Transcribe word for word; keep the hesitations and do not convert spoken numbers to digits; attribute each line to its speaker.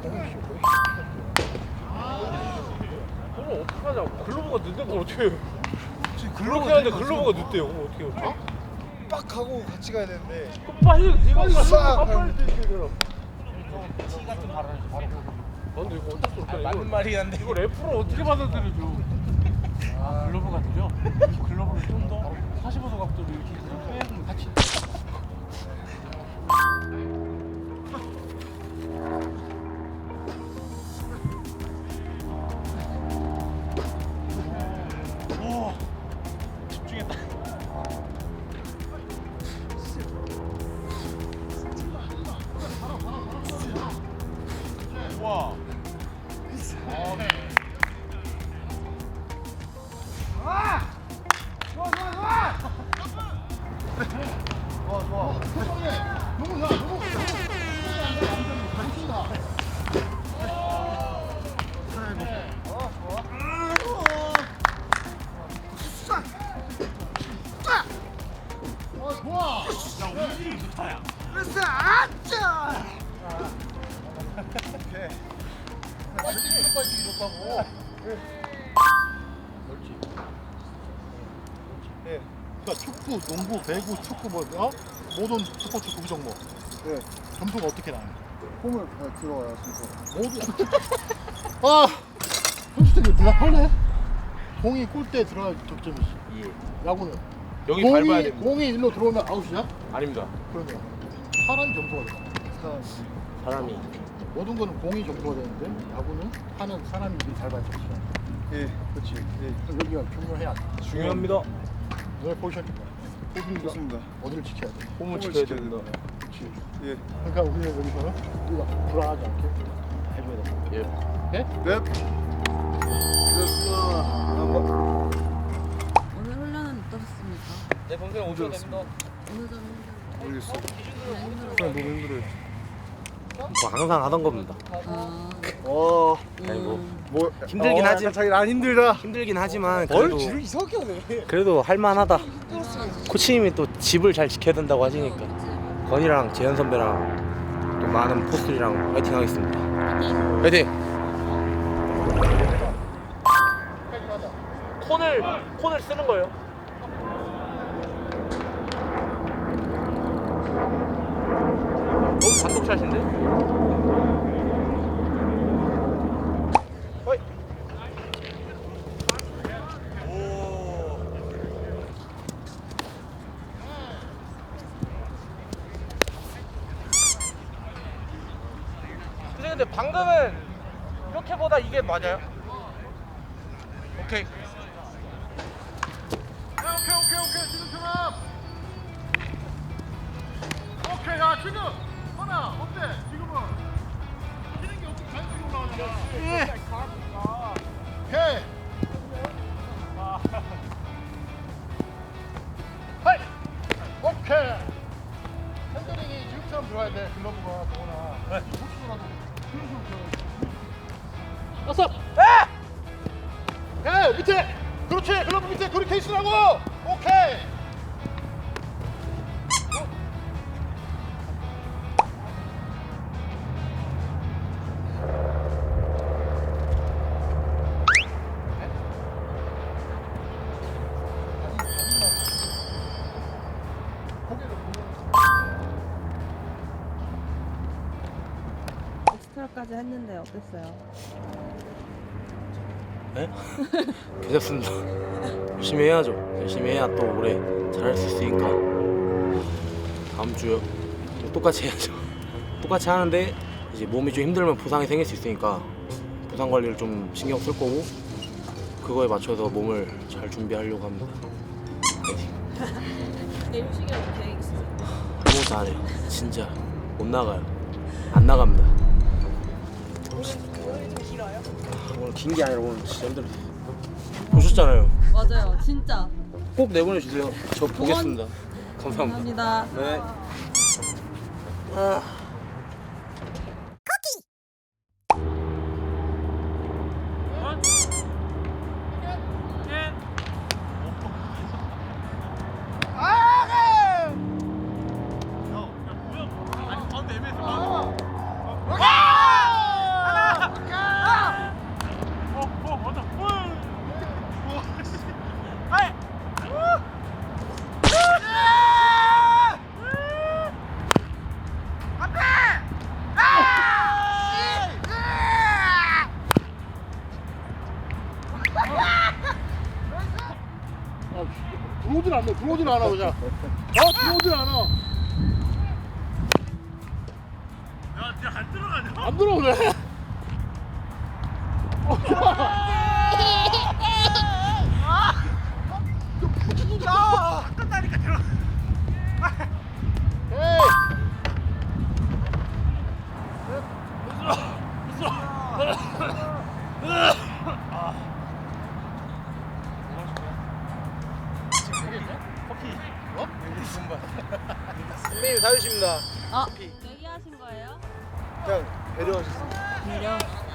Speaker 1: 그럼 어떡하냐. 글로브가 늦는 걸 어떻게 해요. 그렇게 하는데 글로브가 늦대요. 그럼 어떻게 해요?
Speaker 2: 어? 빡 가고 같이 가야 되는데.
Speaker 1: 그럼 빨리 네가
Speaker 2: 싹
Speaker 1: 빨리 뛰어야 되잖아.
Speaker 3: 티 같은 바로 바로.
Speaker 1: 근데 이거 어쩔 수 없잖아.
Speaker 3: 맞는
Speaker 1: 이거,
Speaker 3: 말이 한데.
Speaker 1: 이거 래프로 어떻게 받아들여줘.
Speaker 3: 아, 글러브가 되죠? 글러브를 좀 더 사십오 도 각도로 이렇게 빼면 같이. 오, 집중했다. 와.
Speaker 2: 그러니까 축구, 농구, 배구, 축구 뭐 어? 모든 스포츠 구기 종목. 네. 점수가 어떻게 나와요?
Speaker 4: 홈을 들어와요 순서.
Speaker 2: 모두. 아, 선수들이 대답할래? 공이 골대에 들어갈 득점이지.
Speaker 1: 예.
Speaker 2: 야구는
Speaker 1: 여기
Speaker 2: 공이
Speaker 1: 밟아야 됩니다.
Speaker 2: 공이 일로 들어오면 아웃이야?
Speaker 1: 아닙니다.
Speaker 2: 그러면 사람 점수가 돼.
Speaker 1: 사람이.
Speaker 2: 모든 거는 공이 점수가 되는데 야구는 하는 사람이 이렇게 잘 밟혔어.
Speaker 4: 예.
Speaker 2: 그렇지. 예. 그래서 여기가 중요해야 돼.
Speaker 1: 중요합니다.
Speaker 2: 너의 포지션 좀 봐. 포지션
Speaker 4: 좋습니다.
Speaker 2: 어디를 지켜야 돼?
Speaker 1: 홈을
Speaker 4: 홈을
Speaker 1: 지켜야
Speaker 4: 지켜야
Speaker 1: 됩니다.
Speaker 2: 그렇지.
Speaker 4: 예.
Speaker 2: 그러니까 우리는 여기서는 우리가 불안하지 않게 해줘야 돼.
Speaker 1: 예.
Speaker 2: 네?
Speaker 4: 넵. 됐습니다. 한번.
Speaker 5: 오늘 훈련은 어떠셨습니까?
Speaker 1: 네, 평소에 오셔도 됩니다.
Speaker 5: 어느 점이 힘들었어요?
Speaker 4: 모르겠어.
Speaker 5: 그냥 힘들었어요?
Speaker 1: 너무 힘들어요. 뭐 항상 하던 겁니다.
Speaker 5: 아,
Speaker 4: 어.
Speaker 1: 아니 뭐
Speaker 4: 뭐
Speaker 1: 힘들긴 하지.
Speaker 4: 자기 난 힘들다.
Speaker 1: 힘들긴 하지만
Speaker 4: 뭘
Speaker 1: 그래도
Speaker 4: 지를 이상하게 하네.
Speaker 1: 그래도 할만하다. 코치님이 또 집을 잘 지켜야 된다고 하시니까 건이랑 재현 선배랑 또 많은 포스들이랑 파이팅 하겠습니다. 파이팅! 콘을 콘을 쓰는 거예요. 너무 단독샷인데? 어이. 근데 근데 방금은 이렇게보다 이게 맞아요? 오케이.
Speaker 2: 오케이 오케이 오케이 지금처럼. 오케이 야 지금 하나 어때 지금은 치는 게 없고 자연스럽게 올라가잖아. 예. 오케이. 하이. 오케이. 핸들링이 지금처럼 들어야 돼 글러브가 더구나. 네. 호수라도 그런 식으로 들어야 돼. 다섯. 에! 에 밑에. 그렇지 글러브 밑에 그렇게 케이스라고. 오케이.
Speaker 5: 엑스트라까지 했는데 어땠어요?
Speaker 1: 네? 괜찮습니다. 열심히 해야죠. 열심히 해야 또 올해 잘할 수 있으니까 다음 주요 또 똑같이 해야죠. 똑같이 하는데 이제 몸이 좀 힘들면 부상이 생길 수 있으니까 부상 관리를 좀 신경 쓸 거고 그거에 맞춰서 몸을 잘 준비하려고 합니다. 파이팅.
Speaker 5: 내일 휴식이라도 계획 있으세요?
Speaker 1: 아무것도 안 해요. 진짜 못 나가요. 안 나갑니다.
Speaker 5: 오늘 좀 길어요?
Speaker 1: 오늘 긴 게 아니라 오늘 진짜 힘들었어요. 보셨잖아요.
Speaker 5: 맞아요, 진짜.
Speaker 1: 꼭 내보내주세요. 저 보겠습니다. 감사합니다.
Speaker 5: 감사합니다.
Speaker 1: 네. 아.
Speaker 2: 들어오질 않네. 들어오질 않아 그냥. 아 들어오질 않아.
Speaker 3: 야, 진짜 안 들어가냐?
Speaker 2: 안 들어오네.
Speaker 3: 야, 끝나니까 들어.
Speaker 2: 에이.
Speaker 4: 선배님 사주십니다.
Speaker 5: 아, 얘기하신 거예요?
Speaker 4: 그냥 배려하셨습니다.
Speaker 5: 배려.